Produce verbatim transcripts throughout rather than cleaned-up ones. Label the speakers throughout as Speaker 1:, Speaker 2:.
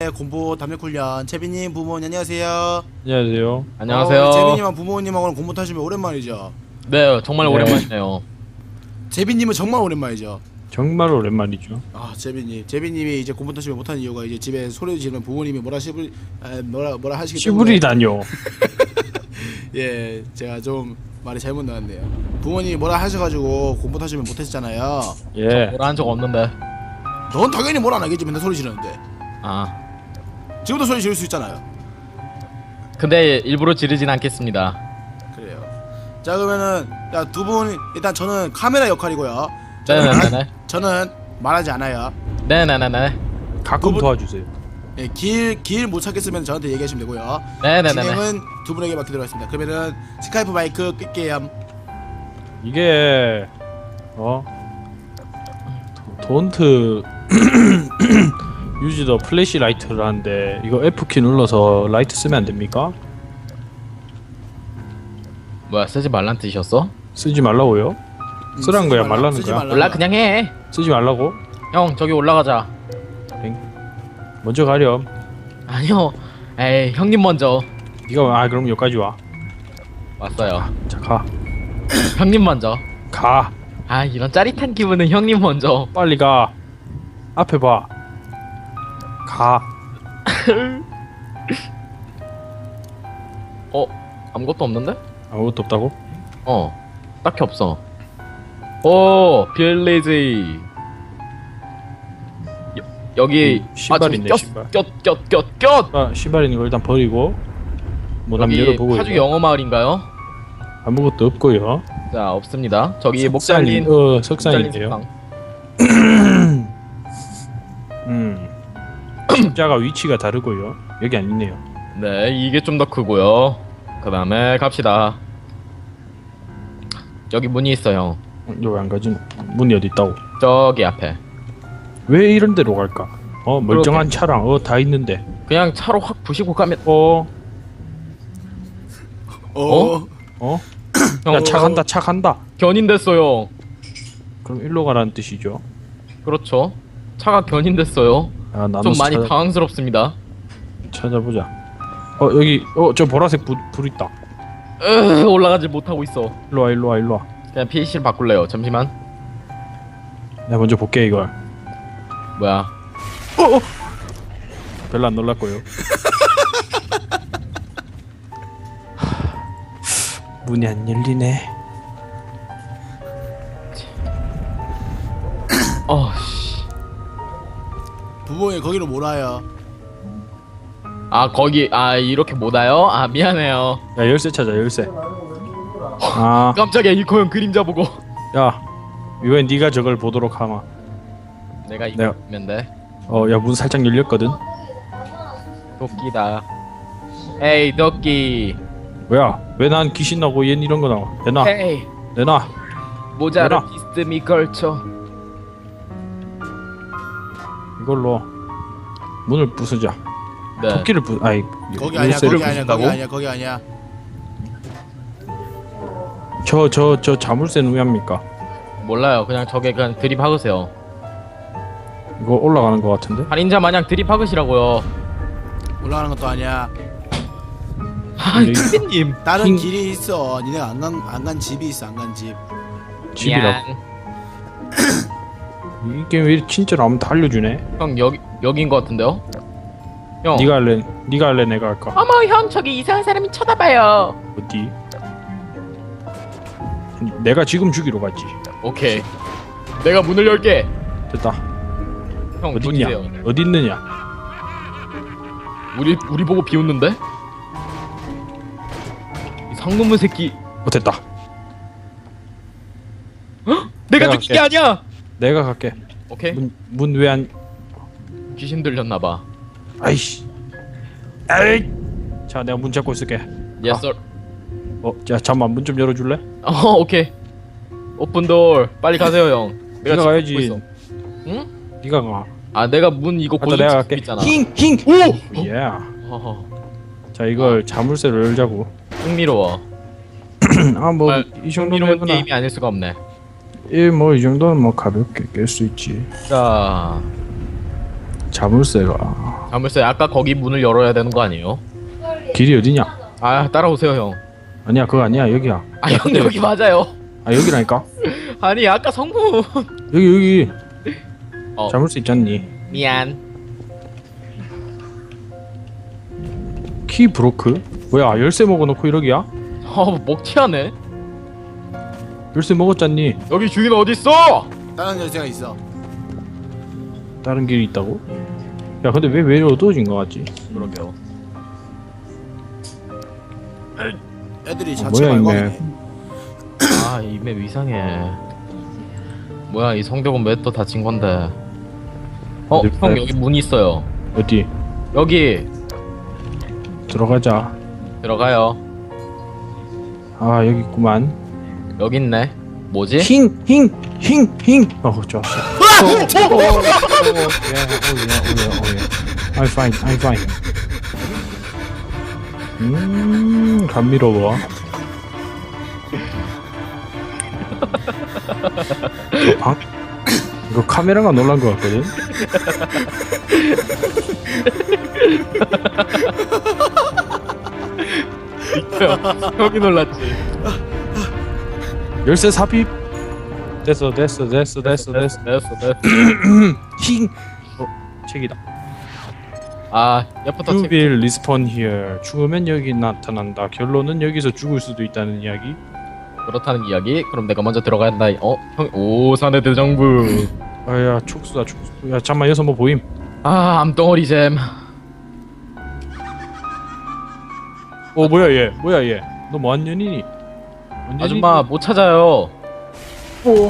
Speaker 1: 네, 공부 담력 훈련. 재빈님 부모님 안녕하세요.
Speaker 2: 안녕하세요.
Speaker 3: 안녕하세요.
Speaker 1: 어, 재빈님하고 부모님하고는 공부 타시면 오랜만이죠.
Speaker 3: 네, 정말
Speaker 2: 네.
Speaker 3: 오랜만이네요.
Speaker 1: 재빈님은 정말 오랜만이죠.
Speaker 2: 정말 오랜만이죠.
Speaker 1: 아, 재빈님, 재빈님이 이제 공부 타시면 못하는 이유가 이제 집에 소리 지르면 부모님이 뭐라 시부리, 아, 뭐라 뭐라 하시기 때문에.
Speaker 2: 시부리다뇨.
Speaker 1: 예, 제가 좀 말이 잘못 나왔네요. 부모님이 뭐라 하셔가지고 공부 타시면 못했잖아요.
Speaker 2: 예.
Speaker 3: 뭐라 한 적 없는데.
Speaker 1: 넌 당연히 뭐라 안 하겠지. 맨날 소리 지르는데.
Speaker 3: 아,
Speaker 1: 지금도 소리 지를 수 있잖아요.
Speaker 3: 근데 일부러 지르진 않겠습니다.
Speaker 1: 그래요. 자, 그러면은 야, 두 분 일단 저는 카메라 역할이고요.
Speaker 3: 네네네네.
Speaker 1: 저는 말하지 않아요.
Speaker 3: 네네네네.
Speaker 2: 가끔
Speaker 1: 그분-
Speaker 2: 도와주세요.
Speaker 1: 예, 길 길 못 찾겠으면 저한테 얘기하시면 되고요.
Speaker 3: 네네네네.
Speaker 1: 진행은 두 분에게 맡기도록 하겠습니다. 그러면은 스카이프 마이크 끌게요.
Speaker 2: 이게 어 돈트 유지 더 플래시 라이트를 하는데 이거 F키 눌러서 라이트 쓰면 안 됩니까?
Speaker 3: 뭐야, 쓰지 말란 뜻이었어?
Speaker 2: 쓰지 말라고요?
Speaker 1: 음,
Speaker 2: 쓰란
Speaker 1: 쓰지
Speaker 2: 거야,
Speaker 1: 말라-
Speaker 2: 말라는
Speaker 1: 쓰지
Speaker 2: 거야?
Speaker 1: 말라.
Speaker 3: 몰라, 그냥 해.
Speaker 2: 쓰지 말라고?
Speaker 3: 형, 저기 올라가자.
Speaker 2: 먼저 가렴.
Speaker 3: 아니요. 에이, 형님 먼저.
Speaker 2: 네가 아 그럼 여기까지 와.
Speaker 3: 왔어요.
Speaker 2: 자 가.
Speaker 3: 형님 먼저.
Speaker 2: 가.
Speaker 3: 아, 이런 짜릿한 기분은 형님 먼저.
Speaker 2: 빨리 가. 앞에 봐. 가.
Speaker 3: 어, 아무것도 없는데?
Speaker 2: 아무것도 없다고?
Speaker 3: 어, 딱히 없어. 오, 빌리지. 여, 여기
Speaker 2: 음, 신발이네,
Speaker 3: 아,
Speaker 2: 신발.
Speaker 3: 꼈꼈꼈꼈.
Speaker 2: 아 신발 있는 거 일단 버리고 뭐남
Speaker 3: 여기
Speaker 2: 열어보고
Speaker 3: 파주
Speaker 2: 이거.
Speaker 3: 영어 마을인가요?
Speaker 2: 아무것도 없고요.
Speaker 3: 자, 없습니다. 저기 목
Speaker 2: 석산이-
Speaker 3: 잘린
Speaker 2: 어
Speaker 3: 목 잘린
Speaker 2: 석산인데요.
Speaker 3: 석상.
Speaker 2: 음. 십자가 위치가 다르고요. 여기 안 있네요.
Speaker 3: 네, 이게 좀 더 크고요. 그 다음에 갑시다. 여기 문이 있어요.
Speaker 2: 어, 여기 안 가지? 문이 어디 있다고?
Speaker 3: 저기 앞에.
Speaker 2: 왜 이런 데로 갈까? 어 멀쩡한 차랑 어 다 있는데.
Speaker 3: 그냥 차로 확 부시고 가면.
Speaker 2: 어
Speaker 1: 어?
Speaker 3: 어?
Speaker 2: 어?
Speaker 3: 형,
Speaker 2: 야 차 간다 차 간다.
Speaker 3: 견인됐어요.
Speaker 2: 그럼 일로 가라는 뜻이죠.
Speaker 3: 그렇죠. 차가 견인됐어요.
Speaker 2: 아 나눠
Speaker 3: 좀 많이
Speaker 2: 찾아,
Speaker 3: 당황스럽습니다.
Speaker 2: 찾아보자. 어 여기 어 저 보라색 불, 불 있다.
Speaker 3: 으, 올라가지 못하고 있어.
Speaker 2: 일로 와 일로 와 일로 와.
Speaker 3: 그냥 피씨를 바꿀래요. 잠시만.
Speaker 2: 내가 먼저 볼게 이걸.
Speaker 3: 뭐야?
Speaker 2: 어, 어. 별로 안 놀랐고요. 문이 안 열리네.
Speaker 3: 어, 씨.
Speaker 1: 부모님 거기로 몰아요.
Speaker 3: 아, 거기, 아, 이렇게 못 와요? 아, 미안해요.
Speaker 2: 야 열쇠 찾아 열쇠. 아,
Speaker 3: 깜짝이야, 이코 형 그림자 보고.
Speaker 2: 야 이번엔 네가 저걸 보도록 하마.
Speaker 3: 내가
Speaker 2: 내가-
Speaker 3: 이거면 돼.
Speaker 2: 어, 야 문 살짝 열렸거든.
Speaker 3: 도끼다. 에이, 도끼.
Speaker 2: 뭐야? 왜 난 귀신 나고 얜 이런 거 나와? 내놔,
Speaker 3: 헤이,
Speaker 2: 내놔.
Speaker 3: 모자를
Speaker 2: 내놔.
Speaker 3: 비스듬히 걸쳐.
Speaker 2: 이걸로 문을 부수자.
Speaker 3: 네.
Speaker 2: 토끼를 부, 아이
Speaker 1: 거기 아니야.
Speaker 2: 열쇠를
Speaker 1: 거기 아니야.
Speaker 3: 부순다고?
Speaker 1: 거기 아니야. 거기 아니야.
Speaker 2: 저저 저 자물쇠는 왜 합니까?
Speaker 3: 몰라요. 그냥 저게 그냥 드립하으세요.
Speaker 2: 이거 올라가는 거 같은데?
Speaker 3: 할인자 마냥 드립하으시라고요.
Speaker 1: 올라가는 것도 아니야.
Speaker 3: 아,
Speaker 2: 여기-
Speaker 3: 선생님.
Speaker 1: 다른
Speaker 2: 흰-
Speaker 1: 길이 있어. 니네가 안 간 안 간 집이 있어. 안 간 집.
Speaker 2: 집이라고. 이게 왜 진짜로 아무도 알려주네?
Speaker 3: 형, 여기 여기인 것 같은데요? 형.
Speaker 2: 네가 할래? 네가 할래? 내가 할까?
Speaker 3: 어머, 형, 저기 이상한 사람이 쳐다봐요.
Speaker 2: 어디? 내가 지금 죽이러 갔지.
Speaker 3: 오케이. 내가 문을 열게.
Speaker 2: 됐다.
Speaker 3: 형,
Speaker 2: 어디
Speaker 3: 조지세요.
Speaker 2: 있냐? 어디 있느냐?
Speaker 3: 우리 우리 보고 비웃는데? 이 상놈의 새끼.
Speaker 2: 어 됐다.
Speaker 3: 내가
Speaker 2: 내가
Speaker 3: 느낀 게
Speaker 2: 갈게.
Speaker 3: 아니야.
Speaker 2: 내가 갈게.
Speaker 3: 오케이.
Speaker 2: 문 문 왜 안?
Speaker 3: 귀신 들렸나 봐.
Speaker 2: 아이씨. 에이. 자 내가 문 잡고 있을게.
Speaker 3: Yes sir.
Speaker 2: 어, 자 잠만 문 좀 열어줄래?
Speaker 3: 어, 오케이. 오픈 도어. 빨리 가세요, 형.
Speaker 2: 네가
Speaker 3: 지금
Speaker 2: 가야지.
Speaker 3: 보고 있어. 응?
Speaker 2: 네가 가.
Speaker 3: 아, 내가 문 이거
Speaker 2: 아,
Speaker 3: 고정
Speaker 2: 내가
Speaker 3: 찍고
Speaker 2: 갈게.
Speaker 3: 있잖아.
Speaker 2: 힝 힝.
Speaker 3: 오!
Speaker 2: 예.
Speaker 3: 허허.
Speaker 2: 자 이걸 자물쇠를 열자고.
Speaker 3: 흥미로워.
Speaker 2: 아뭐
Speaker 3: 정말
Speaker 2: 이 정도면
Speaker 3: 흥미로운
Speaker 2: 해보나.
Speaker 3: 게임이 아닐 수가 없네.
Speaker 2: 예, 뭐 이 정도는 뭐 가볍게 깰 수 있지.
Speaker 3: 자,
Speaker 2: 자물쇠가
Speaker 3: 자물쇠 아까 거기 문을 열어야 되는 거 아니에요?
Speaker 2: 길이 어디냐?
Speaker 3: 아 따라오세요 형.
Speaker 2: 아니야 그거 아니야 여기야.
Speaker 3: 아 형 여기 맞아요.
Speaker 2: 아 여기라니까.
Speaker 3: 아니 아까 성문.
Speaker 2: 여기 여기
Speaker 3: 어
Speaker 2: 자물쇠 있잖니.
Speaker 3: 미안.
Speaker 2: 키 브로크? 뭐야 열쇠 먹어놓고 이러기야?
Speaker 3: 어 먹튀하네.
Speaker 2: 열쇠 먹었잖니.
Speaker 3: 여기 주인 어디 있어?
Speaker 1: 다른 열쇠가 있어.
Speaker 2: 다른 길이 있다고? 야 근데 왜 왜 어두워진 거 같지?
Speaker 3: 그러게요.
Speaker 1: 애들이
Speaker 2: 어,
Speaker 1: 자체
Speaker 2: 뭐야,
Speaker 1: 말광이네.
Speaker 3: 아 이 맵 이상해. 뭐야 이 성벽은 왜 또 닫힌 건데? 어
Speaker 2: 어디
Speaker 3: 형
Speaker 2: 봐요?
Speaker 3: 여기 문 있어요.
Speaker 2: 어디?
Speaker 3: 여기
Speaker 2: 들어가자.
Speaker 3: 들어가요.
Speaker 2: 아 여기 있구만.
Speaker 3: 여기 있네. 뭐지?
Speaker 2: 힝! 힝! 힝! 힝! 어 좋았어. 오, 오, 오, 오, 오, 예, 오, 예, 오, 예, 오, 예. I'm fine, I'm fine. 음, 감미로워. 저 방, 이거 카메라가 놀란 것 같거든?
Speaker 3: 형이 놀랐지.
Speaker 2: 열쇠 삽입! 됐어, 됐어, 됐어, 됐어, 됐어.
Speaker 3: 됐어 됐어.
Speaker 2: 힝! 어, 책이다.
Speaker 3: 아 옆부터
Speaker 2: You
Speaker 3: 책.
Speaker 2: will respawn here. 죽으면 여기 나타난다. 결론은 여기서 죽을 수도 있다는 이야기.
Speaker 3: 그렇다는 이야기. 그럼 내가 먼저 들어가야 한다. 어? 형 오산의 대정부.
Speaker 2: 아야 촉수다 촉수. 야 잠만 여기서 뭐 보임?
Speaker 3: 아 암덩어리 잼.
Speaker 2: 어 뭐야 얘? 뭐야 얘? 너 뭐한 년이니? 뭔
Speaker 3: 아줌마 못 찾아요.
Speaker 2: 년이니?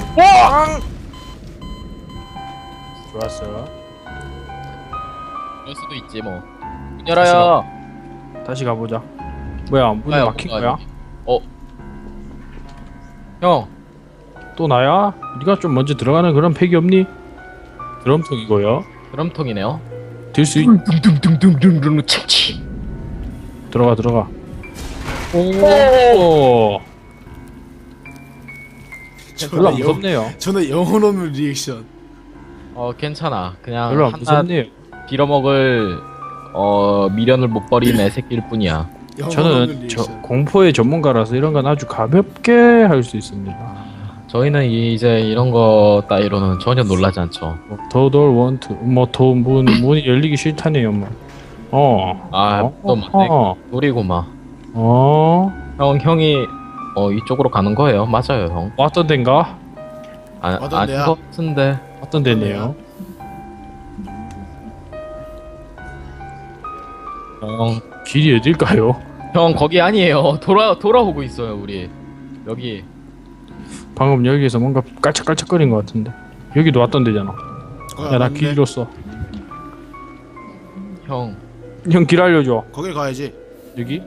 Speaker 2: 좋았어.
Speaker 3: 그럴 수도 있지 뭐. 문 열어요.
Speaker 2: 다시 가보자. 뭐야 문이
Speaker 3: 가요,
Speaker 2: 막힌
Speaker 3: 가요.
Speaker 2: 거야?
Speaker 3: 어. 형.
Speaker 2: 또 나야? 네가 좀 먼저 들어가는 그런 팩이 없니? 드럼통이고요.
Speaker 3: 드럼통이네요.
Speaker 2: 들 수 있...
Speaker 3: 둥둥둥둥둥둥 채치.
Speaker 2: 들어가 들어가. 오. 별로 안
Speaker 1: 저는 영,
Speaker 2: 무섭네요.
Speaker 1: 저는 영혼 없는 리액션.
Speaker 3: 어 괜찮아. 그냥
Speaker 2: 별로 안
Speaker 3: 하나
Speaker 2: 무섭네요.
Speaker 3: 빌어먹을 어 미련을 못 버린 애새끼일 뿐이야.
Speaker 1: 영혼 없는
Speaker 2: 저는 저
Speaker 1: 리액션.
Speaker 2: 공포의 전문가라서 이런 건 아주 가볍게 할 수 있습니다.
Speaker 3: 저희는 이제 이런 거 따위로는 전혀 놀라지 않죠.
Speaker 2: 더돌 원트 뭐더문 문이 열리기 싫다네요 뭐. 어.
Speaker 3: 아,
Speaker 2: 어?
Speaker 3: 또 맞네.
Speaker 2: 어.
Speaker 3: 노리고 막.
Speaker 2: 어.
Speaker 3: 형 형이 어 이쪽으로 가는 거예요. 맞아요, 형.
Speaker 2: 왔던 데인가?
Speaker 3: 아,
Speaker 1: 어떤
Speaker 3: 아닌
Speaker 1: 데야?
Speaker 3: 것 같은데.
Speaker 2: 왔던 데네요.
Speaker 3: 형,
Speaker 2: 길이 어딜까요?
Speaker 3: 형 거기 아니에요. 돌아 돌아오고 있어요, 우리. 여기.
Speaker 2: 방금 여기에서 뭔가 깔짝깔짝거린 것 같은데. 여기도 왔던 데잖아.
Speaker 1: 거기
Speaker 2: 야 나
Speaker 1: 갔는데
Speaker 2: 길 잃었어.
Speaker 3: 형.
Speaker 2: 형 길 알려줘.
Speaker 1: 거길 가야지.
Speaker 2: 여기?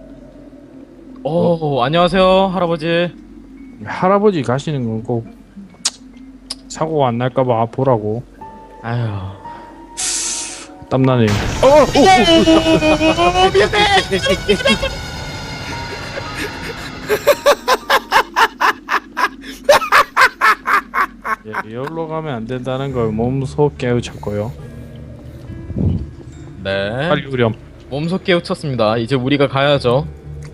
Speaker 3: 오, 안녕하세요, 할아버지.
Speaker 2: 할아버지 가시는 건 꼭 사고가 안 날까봐 보라고.
Speaker 3: 아유.
Speaker 2: 땀나네요. 예, 여기로 가면 안 된다는 걸 몸소 깨우쳤고요.
Speaker 3: 네.
Speaker 2: 빨리 우렴.
Speaker 3: 몸소 깨우쳤습니다. 이제 우리가 가야죠.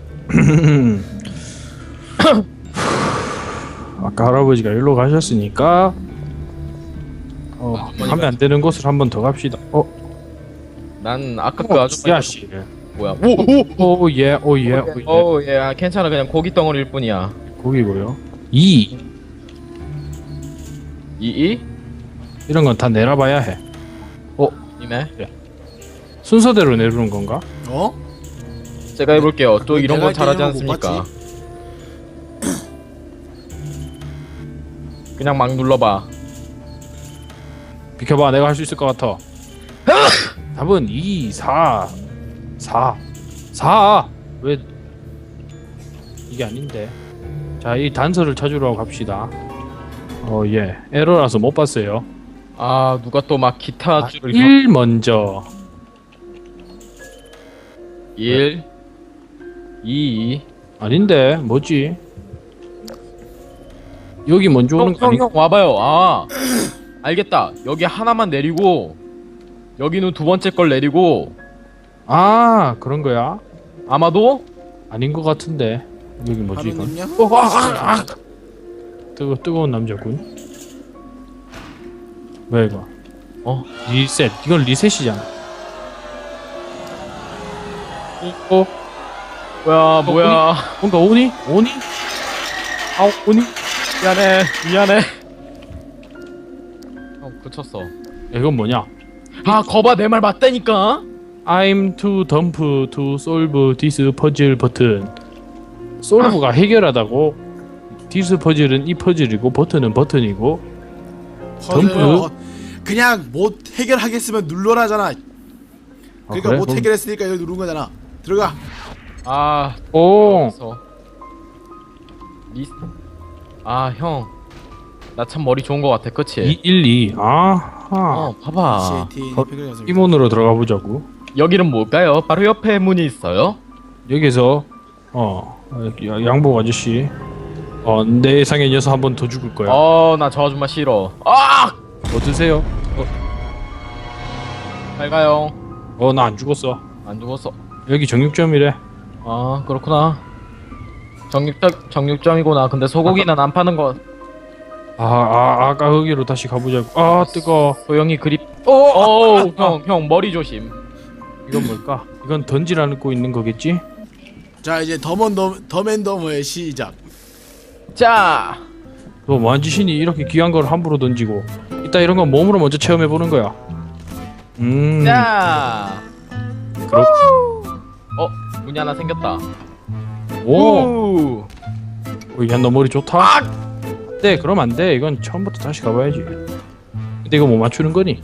Speaker 2: 아까 할아버지가 일로 가셨으니까 어,
Speaker 3: 아주머니가-
Speaker 2: 가면 안 되는 곳을 한 번 더 갑시다. 어,
Speaker 3: 난 아까 그 아줌마
Speaker 2: 야 씨.
Speaker 3: 뭐야? 오, 오.
Speaker 2: 오 예, 오 예, 오 예.
Speaker 3: 오, 예, 아, 괜찮아. 그냥 고기 덩어리일 뿐이야.
Speaker 2: 거기고요. 이
Speaker 3: 이이?
Speaker 2: 이런 건 다 내려봐야 해.
Speaker 3: 이네.
Speaker 2: 순서대로 내려오는 건가?
Speaker 1: 어?
Speaker 3: 제가 해볼게요. 또 이런
Speaker 1: 내가
Speaker 3: 건 잘하지
Speaker 1: 할 때는 못
Speaker 3: 않습니까? 그냥 막 눌러봐.
Speaker 2: 비켜봐, 내가 할 수 있을 것 같아. 답은 이, 사, 사, 사. 왜 이게 아닌데? 자, 이 단서를 찾으러 갑시다. 어, 예, 에러라서 못 봤어요.
Speaker 3: 아, 누가 또 막 기타
Speaker 2: 아,
Speaker 3: 줄을
Speaker 2: 일 먼저.
Speaker 3: 일, 이,
Speaker 2: 아닌데, 뭐지? 여기 먼저 오는
Speaker 3: 형,
Speaker 2: 거
Speaker 3: 형,
Speaker 2: 아닌가?
Speaker 3: 형 와봐요. 아, 알겠다. 여기 하나만 내리고 여기는 두 번째 걸 내리고
Speaker 2: 아 그런 거야?
Speaker 3: 아마도
Speaker 2: 아닌 것 같은데 여기 뭐지 이건?
Speaker 1: 하느님요?
Speaker 2: 어, 아, 아, 아. 뜨거 뜨거운 남자군. 뭐야 이거?
Speaker 3: 어
Speaker 2: 리셋. 이건 리셋이잖아. 어?
Speaker 3: 뭐야 뭐야
Speaker 2: 뭔가 오니? 오니? 아 오니?
Speaker 3: 미안해 미안해 형 그쳤어.
Speaker 2: 야, 이건 뭐냐?
Speaker 3: 아 거봐 내 말 맞다니까.
Speaker 2: I'm to dump to solve this puzzle button. solve가 해결하다고. this 퍼즐은 이 퍼즐이고 버튼은 버튼이고.
Speaker 1: 퍼즐요. 그냥 못 해결하겠으면 눌러라잖아. 그러니까
Speaker 2: 그래?
Speaker 1: 못
Speaker 2: 그럼-
Speaker 1: 해결했으니까 이거 누른 거잖아. 들어가.
Speaker 3: 아
Speaker 2: 오.
Speaker 3: 그래서 리... 아형 나 참 머리 좋은 거 같아 그치?
Speaker 2: 이 일 이. 아하.
Speaker 3: 어 봐봐
Speaker 1: 씨에이티
Speaker 2: 거-
Speaker 1: 해결 연습.
Speaker 2: 이문으로 들어가 보자고.
Speaker 3: 여기는 뭘까요? 바로 옆에 문이 있어요.
Speaker 2: 여기서 어 야- 양복 아저씨. 어 내 예상에 녀석 한 번 더 죽을 거야. 어,
Speaker 3: 어나 저 아줌마 싫어. 아!
Speaker 2: 드세요.
Speaker 3: 잘 가요.
Speaker 2: 어 나 안 죽었어.
Speaker 3: 안 죽었어.
Speaker 2: 여기 정육점이래.
Speaker 3: 아 그렇구나. 정육점 정육점이구나. 근데 소고기는 안 파는 거.
Speaker 2: 아, 아 아까 거기로 다시 가보자고. 아 뜨거.
Speaker 3: 소영이 그립. 오형형 머리 조심.
Speaker 2: 이건 뭘까? 이건 던지라는 거 있는 거겠지?
Speaker 1: 자 이제 더먼더 더맨더머의 시작.
Speaker 3: 자
Speaker 2: 너 만지신이 이렇게 귀한 걸 함부로 던지고. 이따 이런 건 몸으로 먼저 체험해 보는 거야. 음.
Speaker 3: 자.
Speaker 2: 그렇.
Speaker 3: 어 문이 하나 생겼다.
Speaker 2: 오.
Speaker 3: 우.
Speaker 2: 어, 야, 너 머리 좋다. 네, 그럼 안 돼. 이건 처음부터 다시 가봐야지. 근데 이거 뭐 맞추는 거니?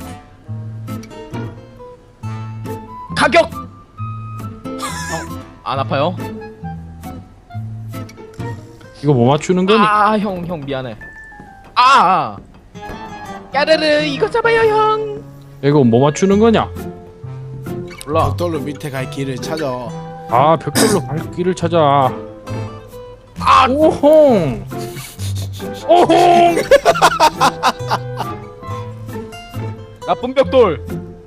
Speaker 3: 가격. 어, 안 아파요?
Speaker 2: 이거 뭐 맞추는 거니?
Speaker 3: 아 형 형 미안해. 아. 까르르 이거 잡아요 형.
Speaker 2: 이거 뭐 맞추는 거냐?
Speaker 3: 몰라.
Speaker 1: 벽돌로 밑에 갈 길을 찾아.
Speaker 2: 아, 벽돌로 갈 길을 찾아. 아, 오홍. 오홍.
Speaker 3: 나쁜 벽돌.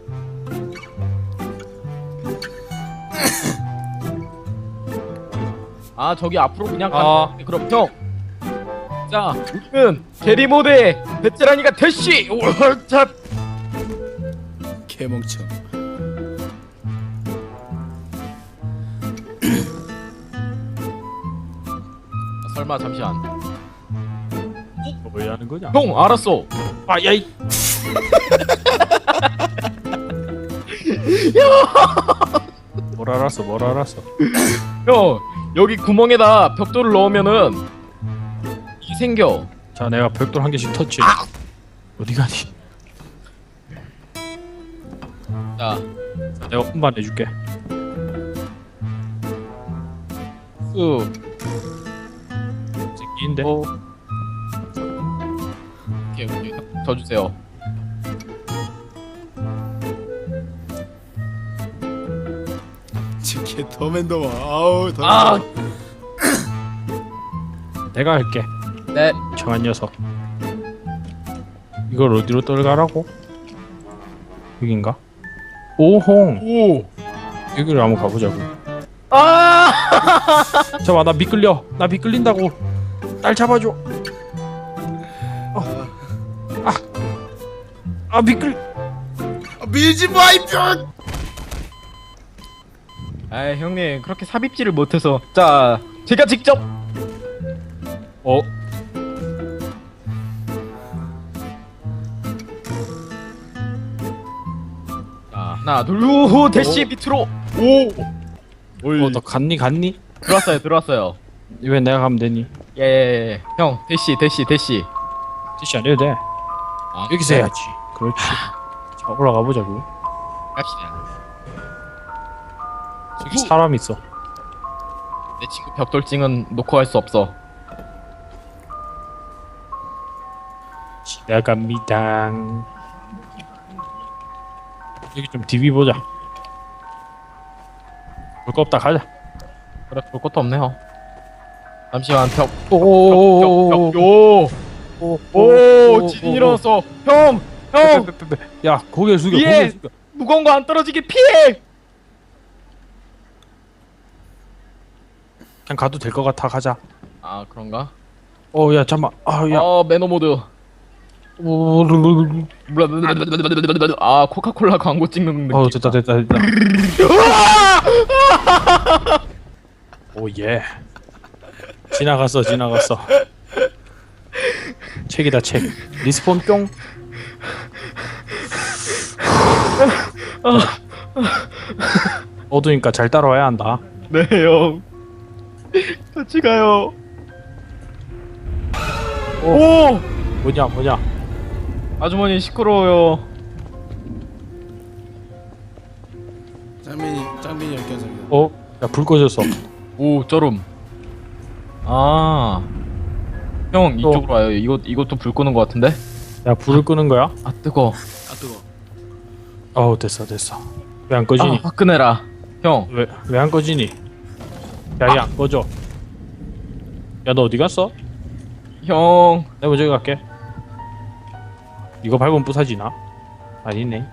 Speaker 3: 아 저기 앞으로 그냥 가는
Speaker 2: 아.
Speaker 3: 거. 그럼 형. 자 우리는 게리모드의 베테랑이가 대시. 월탑.
Speaker 1: 개멍청.
Speaker 3: 설마 잠시만.
Speaker 2: 뭐 하는 거냐?
Speaker 3: 형 알았어.
Speaker 2: 아, 야이. 뭘 알았어? 뭘 알았어?
Speaker 3: 형 여기 구멍에다 벽돌을 넣으면은 이 생겨.
Speaker 2: 자, 내가 벽돌 한 개씩 터치. 어디 가니?
Speaker 3: 자
Speaker 2: 내가 운반 해줄게.
Speaker 3: 쑥.
Speaker 2: 새끼인데.
Speaker 3: 어. 오케이 오케이 저 주세요.
Speaker 1: 지금 더맨더머. 아우 더.
Speaker 3: 아.
Speaker 2: 내가 할게.
Speaker 3: 네.
Speaker 2: 청한 녀석. 이걸 어디로 떨가라고? 여긴가? 오홍.
Speaker 3: 오.
Speaker 2: 여기를 한번 가보자고.
Speaker 3: 아.
Speaker 2: 잠깐만, 나 미끌려. 나 미끌린다고. 날 잡아줘. 어. 아. 아 미끌.
Speaker 1: 아, 밀지 마 이병.
Speaker 3: 아 형님 그렇게 삽입질을 못해서. 자 제가 직접.
Speaker 2: 어.
Speaker 3: 자 하나 둘후 대시 밑으로. 오.
Speaker 2: 어, 너 갔니 갔니?
Speaker 3: 들어왔어요 들어왔어요.
Speaker 2: 왜 내가 가면 되니?
Speaker 3: 예예예. 형 대시 대시 대시.
Speaker 2: 티시 안 해도 돼.
Speaker 3: 아,
Speaker 2: 여기서 해야지. 그렇지. 자, 올라가 보자고.
Speaker 3: 갑시다.
Speaker 2: 저기 사람 있어.
Speaker 3: 내 친구 벽돌증은 놓고 갈 수 없어.
Speaker 2: 지나갑니다. 여기 좀 디비 보자. 볼 거 없다 가자.
Speaker 3: 그래 볼 것도 없네요. 잠시만 벽.
Speaker 2: 오오오오오.
Speaker 3: 벽, 벽, 벽, 요. 오 지진 일어났어. 형 형.
Speaker 2: 야 고개 숙여.
Speaker 3: 위에!
Speaker 2: 고개 숙여.
Speaker 3: 무거운 거 안 떨어지게 피해.
Speaker 2: 그냥 가도 될 것 같아. 가자.
Speaker 3: 아 그런가?
Speaker 2: 어, 야, 잠만. 아, 야.
Speaker 3: 어 매너 모드.
Speaker 2: 오,
Speaker 3: 아 코카콜라 광고 찍는 느낌.
Speaker 2: 어, 됐다, 됐다, 됐다. 오, 예. 지나갔어, 지나갔어. 책이다, 책. 리스폰 뿅. 어두니까 잘 따라와야 한다.
Speaker 3: 네 형. 같이 가요. 오!
Speaker 2: 뭐냐, 뭐냐.
Speaker 3: 아주머니 시끄러워요.
Speaker 1: 짱민이 짱민이 열 개 감사합니다.
Speaker 2: 어? 야, 불 꺼졌어.
Speaker 3: 오 쩌름. 아. 형 이쪽으로 와요. 이것 이것도 불 끄는 것 같은데?
Speaker 2: 야, 불을 끄는 거야?
Speaker 3: 아 뜨거.
Speaker 1: 아 뜨거.
Speaker 2: 어우, 됐어, 됐어. 왜 안 꺼지니?
Speaker 3: 아 화끈해라. 형.
Speaker 2: 왜, 왜 안 꺼지니? 야, 얘 안 꺼져. 야, 너 어디 갔어?
Speaker 3: 형.
Speaker 2: 내가 먼저 갈게. 이거 밟으면 부사지나? 아니네.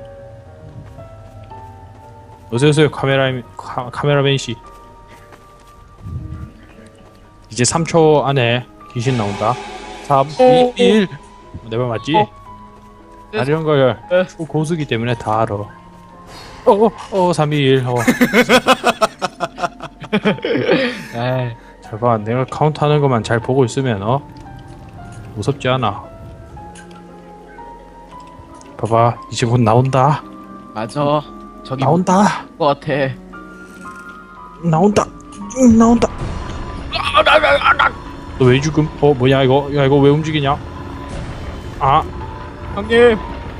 Speaker 2: 어서오세요, 카메라, 카, 카메라맨 씨. 이제 삼 초 안에 귀신 나온다. 삼, 이, 일. 내 말 맞지?
Speaker 3: 어.
Speaker 2: 아, 이런 걸
Speaker 3: 네.
Speaker 2: 고수기 때문에 다 알아. 어, 어, 어, 삼, 이, 일. 어.
Speaker 3: 에이.
Speaker 2: 잘 봐. 내가 카운트하는 것만 잘 보고 있으면 어 무섭지 않아. 봐봐, 이제 곧 나온다.
Speaker 3: 맞아. 저기
Speaker 2: 나온다.
Speaker 3: 것 같아.
Speaker 2: 나온다. 응, 나온다. 너 왜 죽음? 어, 뭐냐 이거? 야, 이거 왜 움직이냐? 아,
Speaker 3: 형님.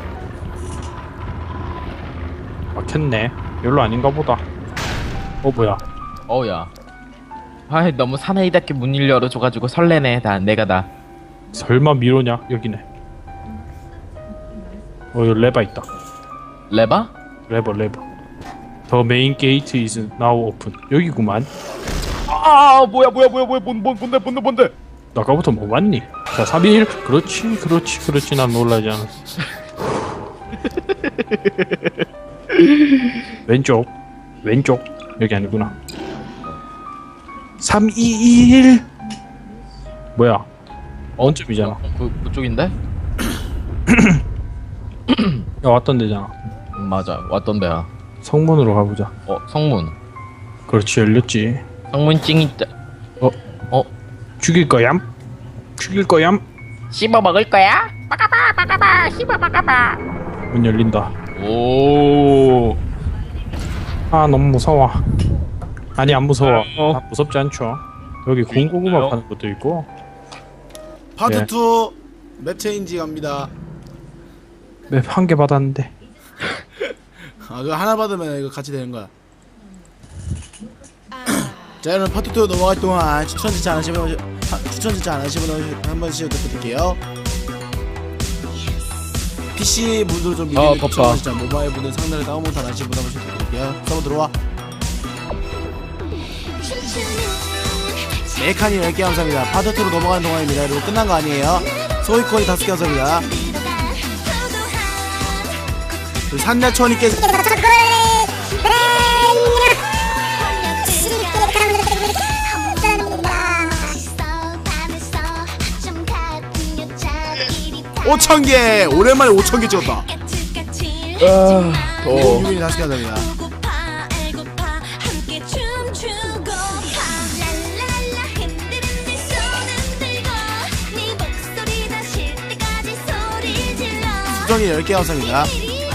Speaker 2: 막혔네. 별로 아닌가 보다. 어, 뭐야?
Speaker 3: 어우야. 아이 너무 사나이답게 문을 열어줘가지고 설레네. 나 내가 다.
Speaker 2: 설마 미로냐? 여기네. 어, 여기 레바 있다.
Speaker 3: 레바?
Speaker 2: 레버, 레버. The main gate is now open. 여기구만.
Speaker 3: 아 뭐야 뭐야 뭐야 뭐야 뭔, 뭔, 뭔데 뭔데 뭔데.
Speaker 2: 너 아까부터 뭐 봤니? 자, 삼, 이, 일. 그렇지, 그렇지, 그렇지. 난 놀라지 않았어. 왼쪽, 왼쪽. 여기 아니구나. 삼, 이, 일. 뭐야? 원점이잖아.
Speaker 3: 그 그쪽인데?
Speaker 2: 야, 왔던 데잖아.
Speaker 3: 음, 맞아 왔던 데야.
Speaker 2: 성문으로 가보자.
Speaker 3: 어 성문.
Speaker 2: 그렇지, 열렸지.
Speaker 3: 성문 찡 있다.
Speaker 2: 어?
Speaker 3: 어?
Speaker 2: 죽일 거얌? 죽일 거얌?
Speaker 4: 씹어 먹을 거야? 막아봐 막아봐 씹어 막아봐.
Speaker 2: 문 열린다.
Speaker 3: 오.
Speaker 2: 아, 너무 무서워. 아니, 안 무서워.
Speaker 3: 어.
Speaker 2: 아, 무섭지 않죠. 여기 군고구마
Speaker 3: 있나요?
Speaker 2: 파는 것도 있고.
Speaker 1: 파트
Speaker 2: 예.
Speaker 1: 투 맵 체인지 갑니다.
Speaker 2: 맵 한 개 받았는데.
Speaker 1: 아 그거 하나 받으면 이거 같이 되는 거야. 자 여러분 파트 투 넘어갈 동안 추천 진짜 안 하시는 분 하- 추천 진짜 안 하시는 분 한 번씩 부탁드릴게요. 피씨 분들 좀 미리
Speaker 3: 아,
Speaker 1: 추천
Speaker 3: 덥다.
Speaker 1: 진짜 모바일 분들 상단에 다운로드 안 하시는 분 한 번씩 부탁드릴게요. 서버 들어와. 네 칸이 열 개 감사합니다. 파트 투로 넘어가는 동안입니다. 그리고 끝난 거 아니에요. 소위코인 다섯 개 감사합니다. 그리고 산야천이께 오천 개 오랜만에 오천 개 찍었다.
Speaker 3: 아, 더워.
Speaker 1: 유빈이 다섯 개 감사합니다. 수정이 열 개 감사합니다.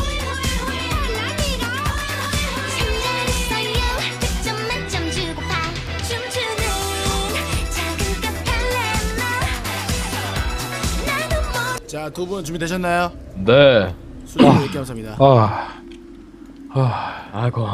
Speaker 1: 자, 두 분 준비되셨나요?
Speaker 3: 네.
Speaker 1: 수정이 열 개 감사합니다.
Speaker 2: 아, 아,
Speaker 3: 아이고.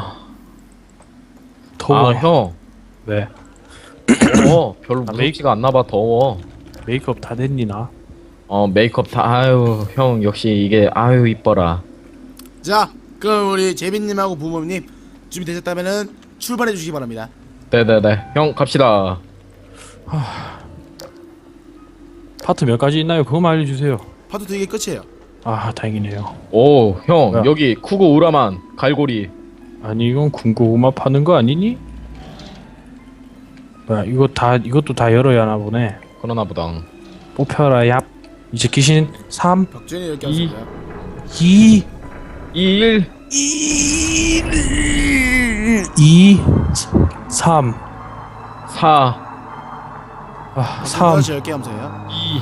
Speaker 2: 더워.
Speaker 3: 아 형.
Speaker 2: 왜?
Speaker 3: 더워. 별로
Speaker 2: 아,
Speaker 3: 무섭지가 않나봐. 더워.
Speaker 2: 메이크업 다 됐니 나?
Speaker 3: 어 메이크업 다. 아유 형 역시 이게 아유 이뻐라.
Speaker 1: 자, 그럼 우리 재빈님하고 부모님 준비되셨다면은 출발해 주시기 바랍니다.
Speaker 3: 네네네. 형 갑시다.
Speaker 2: 파트 몇 가지 있나요? 그거만 알려주세요.
Speaker 1: 파트 두 개 끝이에요.
Speaker 2: 아 다행이네요.
Speaker 3: 오, 형
Speaker 2: 뭐야?
Speaker 3: 여기 쿠고 우라만 갈고리.
Speaker 2: 아니 이건 군고구마 파는 거 아니니? 뭐야 이거 다 이것도 다 열어야 하나 보네.
Speaker 3: 그러나 보다.
Speaker 2: 뽑혀라 얍. 이제 귀신 삼
Speaker 1: 벽준이 이렇게
Speaker 3: 이.
Speaker 1: 하세요.
Speaker 2: 이
Speaker 3: 일.
Speaker 2: 이 삼
Speaker 3: 사.
Speaker 2: 아, 삼
Speaker 1: 다시 열개 하면서요.
Speaker 3: 이.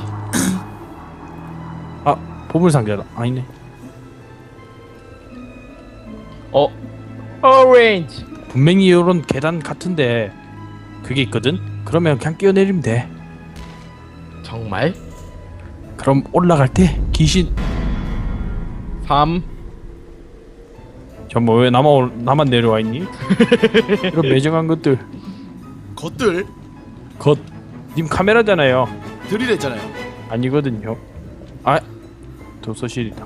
Speaker 2: 아 보물상자다. 아니네.
Speaker 3: 어. 오렌지.
Speaker 2: 분명히 이런 계단 같은데 그게 있거든? 그러면 그냥 뛰어내리면 돼.
Speaker 3: 정말?
Speaker 2: 그럼 올라갈 때 귀신
Speaker 3: 삼.
Speaker 2: 저뭐 왜 나만 올- 나만 내려와 있니? 이런 매정한 것들
Speaker 1: 것들
Speaker 2: 겉님 카메라잖아요.
Speaker 1: 들이랬잖아요.
Speaker 2: 아니거든요. 아 도서실이다.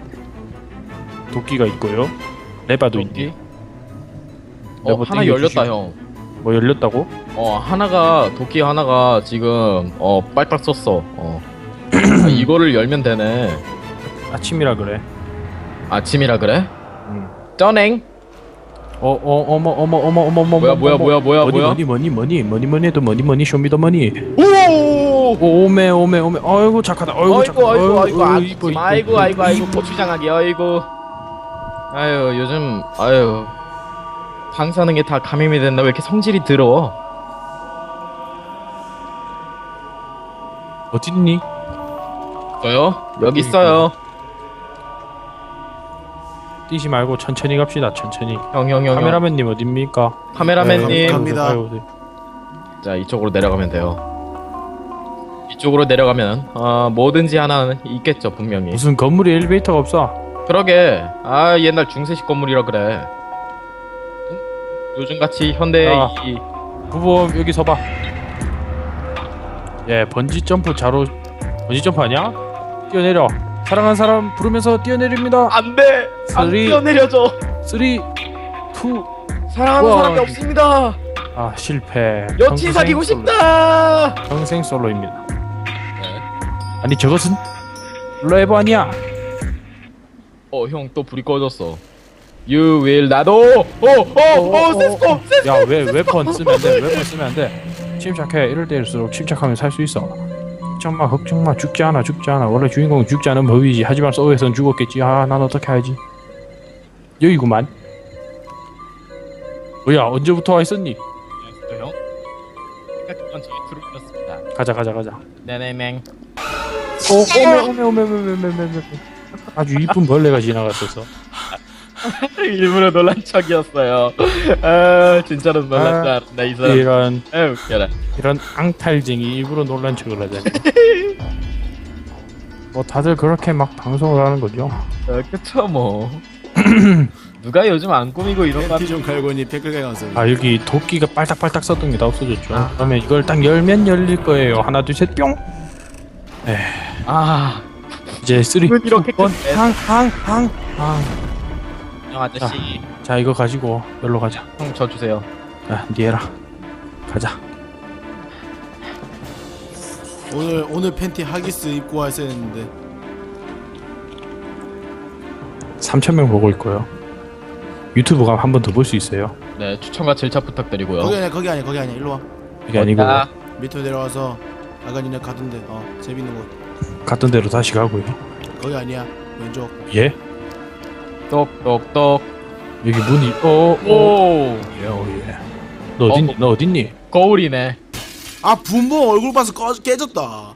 Speaker 2: 도끼가 있고요. 레바도
Speaker 3: 여기.
Speaker 2: 있네.
Speaker 3: 어,
Speaker 2: 여보,
Speaker 3: 하나
Speaker 2: 땡겨주시고.
Speaker 3: 열렸다, 형.
Speaker 2: 뭐 열렸다고?
Speaker 3: 어, 하나가 도끼 하나가 지금 어, 빨빨 썼어. 어. 아, 이거를 열면 되네.
Speaker 2: 아침이라 그래.
Speaker 3: 아침이라 그래?
Speaker 2: 응.
Speaker 3: 쩌냉.
Speaker 2: 어, 어, 어머, 어머, 어머, 어머, 어머,
Speaker 3: 뭐야,
Speaker 2: 어머,
Speaker 3: 뭐야,
Speaker 2: 어머.
Speaker 3: 뭐야, 뭐야,
Speaker 2: 뭐니,
Speaker 3: 뭐야?
Speaker 2: 뭐니, 뭐니, 뭐니, 뭐니, 뭐니 해도 뭐니, 뭐니, 쇼미더머니.
Speaker 3: 오!
Speaker 2: 오메, 오메, 오메. 아이고 착하다. 아이고,
Speaker 3: 아이고,
Speaker 2: 착하다.
Speaker 3: 아이고, 아이고, 아이고,
Speaker 2: 이뻐, 이뻐,
Speaker 3: 아이고,
Speaker 2: 이뻐,
Speaker 3: 아이고, 아이고,
Speaker 2: 이뻐.
Speaker 3: 고추장하게, 아이고. 아유, 요즘, 아유. 방사능에 다 감염이 됐나? 왜 이렇게 성질이 들어?
Speaker 2: 어딨니?
Speaker 3: 저요? 여기 있어요.
Speaker 2: 뛰지 말고 천천히 갑시다. 천천히.
Speaker 3: 형, 형, 형.
Speaker 2: 카메라맨님 어딥니까?
Speaker 3: 카메라맨님.
Speaker 1: 네, 갑니다.
Speaker 2: 아이고, 네.
Speaker 3: 자, 이쪽으로 내려가면 돼요. 이쪽으로 내려가면, 어, 뭐든지 하나는 있겠죠, 분명히.
Speaker 2: 무슨 건물에 엘리베이터가 없어?
Speaker 3: 그러게. 아, 옛날 중세식 건물이라 그래. 응? 요즘같이 현대의
Speaker 2: 아.
Speaker 3: 이
Speaker 2: 부부 여기 서봐. 예, 번지 점프 자로 번지 점프 아니야? 뛰어내려. 사랑하는 사람 부르면서 뛰어내립니다.
Speaker 3: 안 돼! 안
Speaker 2: 쓰리.
Speaker 3: 뛰어내려줘!
Speaker 2: 쓰리, 투.
Speaker 3: 사랑하는
Speaker 2: 우와.
Speaker 3: 사람이 없습니다!
Speaker 2: 아 실패.
Speaker 3: 여친
Speaker 2: 평생
Speaker 3: 사귀고
Speaker 2: 솔로.
Speaker 3: 싶다!
Speaker 2: 평생 솔로입니다. 아니 저것은 레버 아니야.
Speaker 3: 어, 형 또 불이 꺼졌어. You will 나도! 어! 어! 어! 세스코! 세스코!
Speaker 2: 야왜 웨폰 쓰면 안 돼? 웨폰 쓰면 안 돼. 침착해. 이럴 때일수록 침착하면 살 수 있어. 걱정마 걱정마. 죽지 않아 죽지 않아. 원래 주인공은 죽지 않은 법이지. 하지만 소에선 죽었겠지. 아 난 어떻게 하지? 여기구만. 뭐야 언제부터 와 있었니?
Speaker 3: 형? 그건 저희 트루였습니다.
Speaker 2: 가자 가자 가자.
Speaker 3: 네네맹.
Speaker 2: 오 오메 오메 오메 오메 오메 오메 오메. 아주 이쁜 벌레가 지나갔어서.
Speaker 3: 일부러 놀란 척이었어요. 아, 진짜로 놀랐다. 나 이 사람.
Speaker 2: 이런
Speaker 3: 아, 웃겨라.
Speaker 2: 이런 앙탈쟁이 일부러 놀란 척을 하다니. 뭐 다들 그렇게 막 방송을 하는 거죠.
Speaker 3: 어, 그쵸 뭐. 누가 요즘 안 꾸미고 이런 거
Speaker 1: 팬티 좀 갈고니 댓글 가세요.
Speaker 2: 아 여기 도끼가 빨딱빨딱 썼던 게 다 없어졌죠. 그러면 이걸 딱 열면 열릴 거예요. 하나 둘 셋 뿅.
Speaker 3: 아,
Speaker 2: 이제 쓰리
Speaker 3: 왜 이렇게
Speaker 2: 번
Speaker 3: 끝내?
Speaker 2: 항항항항.
Speaker 3: 형 아저씨.
Speaker 2: 자 이거 가지고 열로 가자.
Speaker 3: 형 저 주세요.
Speaker 2: 야 니에라 가자.
Speaker 1: 오늘 오늘 팬티 하기스 입고 왔어야 했는데.
Speaker 2: 삼천 명 보고 있고요. 유튜브가 한 번 더 볼 수 있어요.
Speaker 3: 네, 추천과 질차 부탁드리고요.
Speaker 1: 거기 아니야 거기 아니야 거기 아니야. 일로 와.
Speaker 2: 이게 아니고
Speaker 3: 아,
Speaker 1: 밑으로 내려와서 아까 니네 가던데. 어 재밌는 곳.
Speaker 2: 갔던 대로 다시 가고요.
Speaker 1: 거기 아니야. 왼쪽.
Speaker 2: 예?
Speaker 3: 똑똑똑.
Speaker 2: 여기 문이 어어
Speaker 3: 오,
Speaker 2: 예, 어, 예. 너 어딨니?
Speaker 3: 어.
Speaker 2: 너 어딨니?
Speaker 3: 거울이네.
Speaker 1: 아 분봉 얼굴 봐서 꺼, 깨졌다.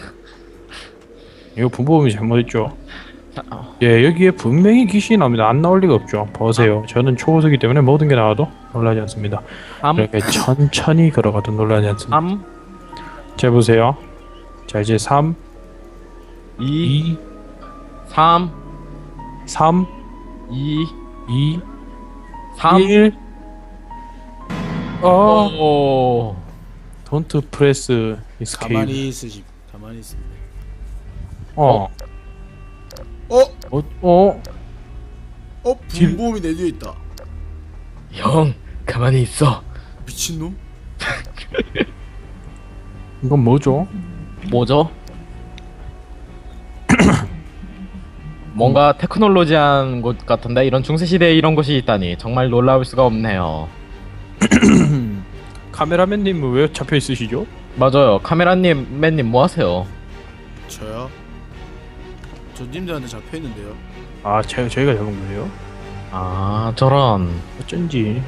Speaker 2: 이거 분보험이 잘못했죠.
Speaker 3: 어.
Speaker 2: 예, 여기에 분명히 귀신이 나옵니다. 안 나올 리가 없죠. 보세요. 저는 초보자이기 때문에 모든 게 나와도 놀라지 않습니다.
Speaker 3: 삼,
Speaker 2: 이렇게 천천히 걸어가도 놀라지 않습니다.
Speaker 3: 삼,
Speaker 2: 자, 보세요. 자, 이제 삼,
Speaker 3: 이,
Speaker 2: 이,
Speaker 3: 삼,
Speaker 2: 삼,
Speaker 3: 이,
Speaker 2: 이,
Speaker 3: 삼.
Speaker 2: 일. 어,
Speaker 3: 오.
Speaker 2: don't press escape.
Speaker 1: 가만히 있으시. 가만히 있으.
Speaker 2: 어,
Speaker 1: 어?
Speaker 2: 어, 어.
Speaker 1: 어? 분봉이 내 뒤에 있다.
Speaker 3: 형, 가만히 있어.
Speaker 1: 미친놈?
Speaker 2: 이건 뭐죠?
Speaker 3: 뭐죠? 뭔가 테크놀로지한 곳 같은데 이런 중세시대에 이런 곳이 있다니 정말 놀라울 수가 없네요.
Speaker 2: 카메라맨님은 왜 잡혀 있으시죠?
Speaker 3: 맞아요. 카메라님, 맨님 뭐 하세요?
Speaker 1: 저요? 저 님들한테 잡혀 있는데요.
Speaker 2: 아, 제, 저희가 잡은 거예요?
Speaker 3: 아, 저런.
Speaker 2: 어쩐지.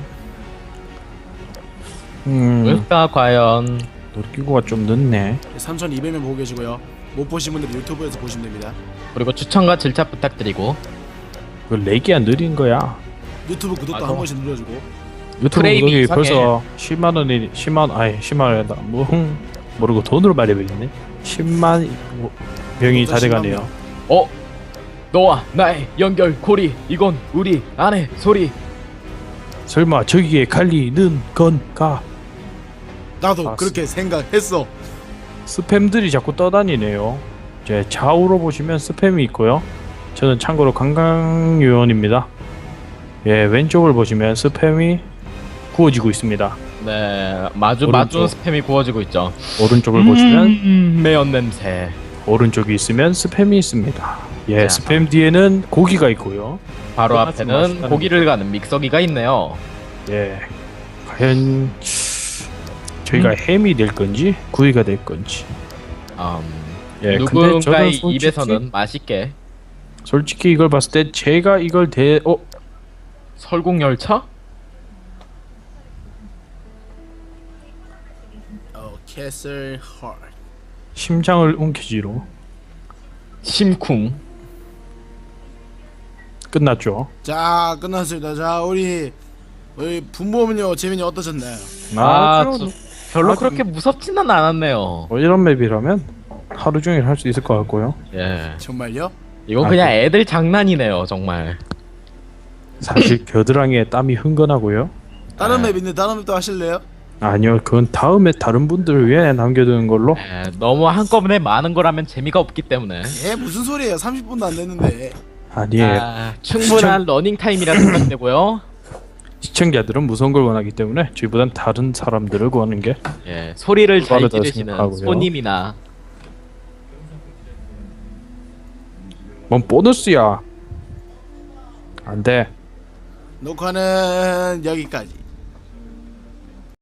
Speaker 2: 음,
Speaker 3: 왜일까 과연?
Speaker 2: 놀이기구가 좀 늦네.
Speaker 1: 삼천이백 명 보고 계시고요. 못 보신 분들은 유튜브에서 보시면 됩니다.
Speaker 3: 그리고 추천과 질차 부탁드리고.
Speaker 2: 그 렉이야 느린 거야.
Speaker 1: 유튜브 구독도
Speaker 3: 맞아.
Speaker 1: 한 번씩 눌러주고.
Speaker 2: 유튜브
Speaker 3: 프레임이
Speaker 2: 구독이
Speaker 3: 이상해.
Speaker 2: 벌써 십만 원이 십만 아니 십만 원이다. 뭐 흥, 모르고 돈으로 말해버리네. 십만 명이 다 돼가네요.
Speaker 3: 어? 너와 나의 연결 고리 이건 우리 안의 소리.
Speaker 2: 설마 저기에 갈리는 건가?
Speaker 1: 나도
Speaker 2: 아,
Speaker 1: 그렇게 생각했어.
Speaker 2: 스팸들이 자꾸 떠다니네요. 이제 좌우로 보시면 스팸이 있고요. 저는 참고로 관광요원입니다. 예, 왼쪽을 보시면 스팸이 구워지고 있습니다.
Speaker 3: 네, 마주
Speaker 2: 오른쪽.
Speaker 3: 마주 스팸이 구워지고 있죠.
Speaker 2: 오른쪽을 보시면
Speaker 3: 음, 매연 냄새.
Speaker 2: 오른쪽이 있으면 스팸이 있습니다. 예,
Speaker 3: 자.
Speaker 2: 스팸 뒤에는 고기가 있고요.
Speaker 3: 바로
Speaker 2: 끝나지
Speaker 3: 앞에는
Speaker 2: 마시다는
Speaker 3: 고기를 가는 믹서기가 있네요.
Speaker 2: 예, 과연 저희가
Speaker 3: 음.
Speaker 2: 햄이 될 건지 구이가 될 건지.
Speaker 3: 음,
Speaker 2: 예, 근데
Speaker 3: 누군가의
Speaker 2: 저는 솔직히,
Speaker 3: 입에서는 맛있게
Speaker 2: 솔직히 이걸 봤을 때 제가 이걸 대 어?
Speaker 3: 설국 열차?
Speaker 1: 어, 캐슬 헐.
Speaker 2: 심장을 움켜쥐로
Speaker 3: 심쿵.
Speaker 2: 끝났죠.
Speaker 1: 자, 끝났습니다. 자, 우리 우리 분모음료 재민이 어떠셨나요?
Speaker 3: 아,
Speaker 2: 좀-
Speaker 3: 저- 별로
Speaker 2: 아,
Speaker 3: 그렇게 무섭지는 않았네요.
Speaker 2: 뭐 이런 맵이라면 하루 종일 할 수 있을 것 같고요.
Speaker 3: 예,
Speaker 1: 정말요?
Speaker 3: 이건
Speaker 2: 아,
Speaker 3: 그냥
Speaker 2: 그-
Speaker 3: 애들 장난이네요, 정말.
Speaker 2: 사실 겨드랑이에 땀이 흥건하고요.
Speaker 1: 다른
Speaker 3: 네.
Speaker 1: 맵 있는데 다른 맵도 하실래요?
Speaker 2: 아니요, 그건 다음에 다른 분들을 위해 남겨두는 걸로.
Speaker 3: 예, 너무 한꺼번에 많은 거라면 재미가 없기 때문에.
Speaker 1: 예, 무슨 소리예요? 삼십 분도 안 됐는데.
Speaker 2: 아니에요.
Speaker 3: 아, 충분한 러닝 타임이라 생각되고요.
Speaker 2: 시청자들은 무서운 걸 원하기 때문에 저희보단 다른 사람들을 구하는 게
Speaker 3: 예, 소리를 잘
Speaker 2: 빠르다
Speaker 3: 지르시는
Speaker 2: 생각하고요.
Speaker 3: 손님이나
Speaker 2: 뭔 보너스야. 안 돼.
Speaker 1: 녹화는 여기까지.